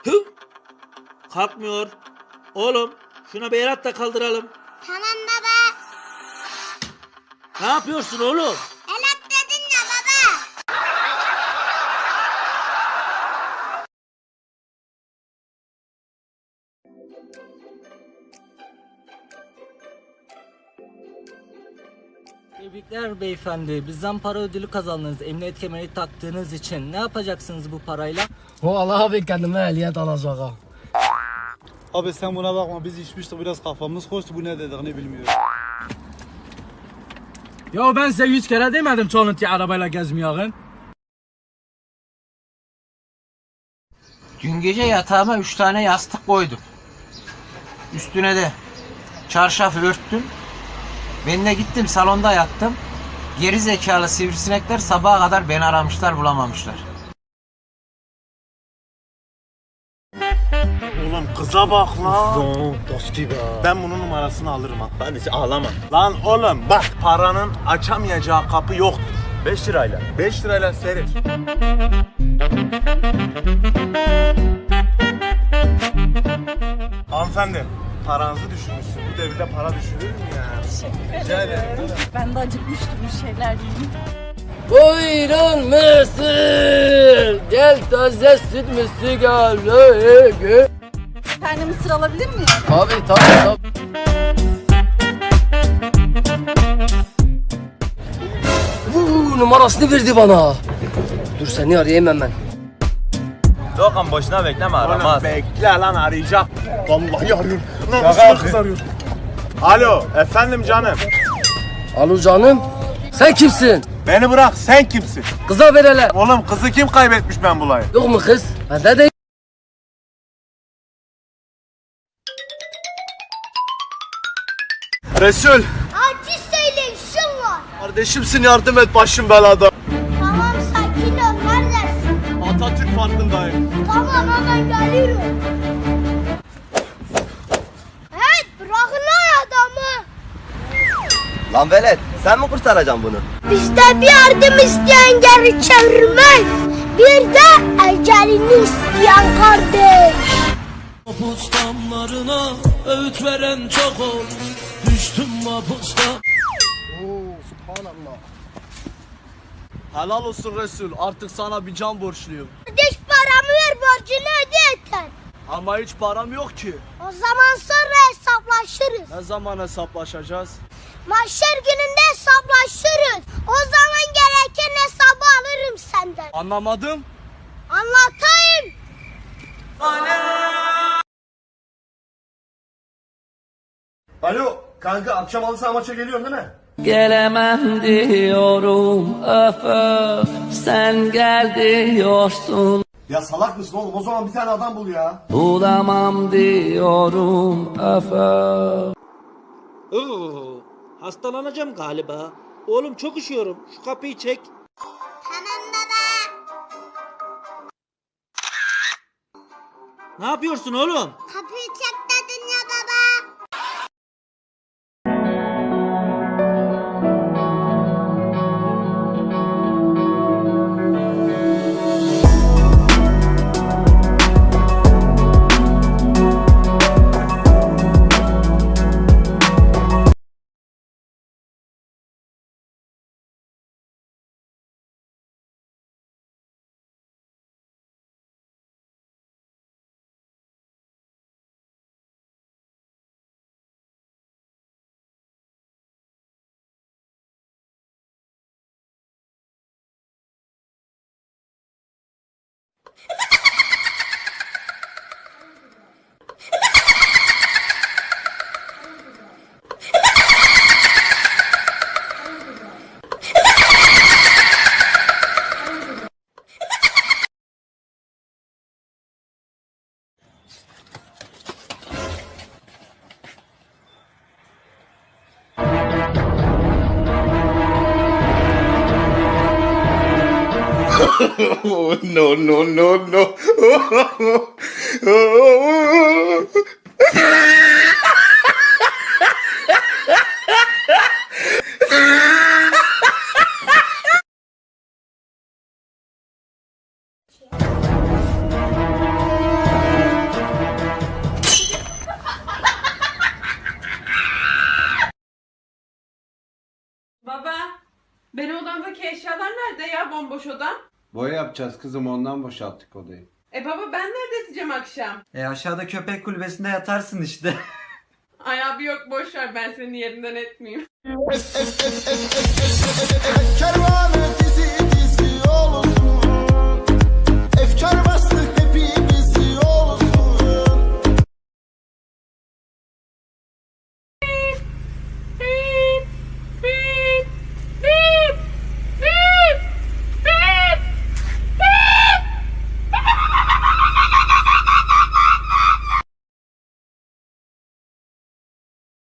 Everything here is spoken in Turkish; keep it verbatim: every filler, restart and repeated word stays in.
Hı? Kalkmıyor. Oğlum şuna bir el at da kaldıralım. Tamam baba. Ne yapıyorsun oğlum? El at dedin ya baba. Tebrikler beyefendi. Bizden para ödülü kazandınız. Emniyet kemeri taktığınız için. Ne yapacaksınız bu parayla? Vallahi abi kendime ehliyet alacağım. Abi sen buna bakma, biz içmiştik biraz, kafamız koştu, bu ne dediğini bilmiyor. Ya ben size yüz kere demedim çalıntı arabayla gezmeyin. Dün gece yatağıma üç tane yastık koydum. Üstüne de çarşaf örttüm. Ben de gittim salonda yattım. Geri zekalı sivrisinekler sabaha kadar beni aramışlar, bulamamışlar. Oğlum kıza bak lan. Doski be. Ben bunun numarasını alırım ha. Hadi ağlama. Lan oğlum bak, paranın açamayacağı kapı yoktur. beş lirayla. beş lirayla seyret. Hanımefendi, paranızı düşürmüşsün. Bu devirde para düşürür mü ya? Rica ederim. Ben de acıkmıştım, bir şeyler yiyeyim. Buyurun mısır. Gel taze süt mısır gel. Bir tane mısır alabilir miyim? Tabii tabii tabii. Vuu, numarasını verdi bana. Dur seni arayayım hemen. Doğukan boşuna bekleme, aramaz. Oğlum bekle lan, arayacak. Vallahi arıyor. Lan kız arıyor. Alo, efendim canım. Alo canım. Sen kimsin? Beni bırak, sen kimsin? Kıza ver hele. Oğlum kızı kim kaybetmiş ben bulayım? Yok mu kız? Bende de. Resul, Acil söyle işim var. kardeşimsin, yardım et, başım belada. Tamam sakin ol neredesin? Atatürk Parkı'ndayım. Tamam hemen geliyorum. Hey bırakın lan adamı. Lan velet, sen mi kurtaracaksın bunu? Bizde bir yardım isteyen geri çevirmez. Bir de ecelini isteyen kardeş. Mapus damlarına öğüt veren çok ol. Düştüm mapusta. Helal olsun Resul. Artık sana bir can borçluyum. Kardeş paramı ver borcunu öde yeter. Ama hiç param yok ki. O zaman sonra hesaplaşırız. Ne zaman hesaplaşacağız? Mahşer gününde hesaplaşırız. O zaman gereken hesabı alırım senden. Anlamadım. Anlatayım. Alo, kanka akşam halı saha maça geliyorsun değil mi? Gelemem diyorum öf öf. Sen gel diyorsun. Ya salak mısın oğlum? O zaman bir tane adam bul ya. Bulamam diyorum öf öf. Oo, hastalanacağım galiba. Oğlum çok üşüyorum. Şu kapıyı çek. Tamam baba. Ne yapıyorsun oğlum? Kapıyı çek dedin ya baba. Oh, no, no, no, no. nerede ya bomboş odam? Boya yapacağız kızım, ondan boşalttık odayı. E baba ben nerede yatacağım akşam? E aşağıda köpek kulübesinde yatarsın işte. Ay abi yok boş ver ben senin yerinden etmeyeyim.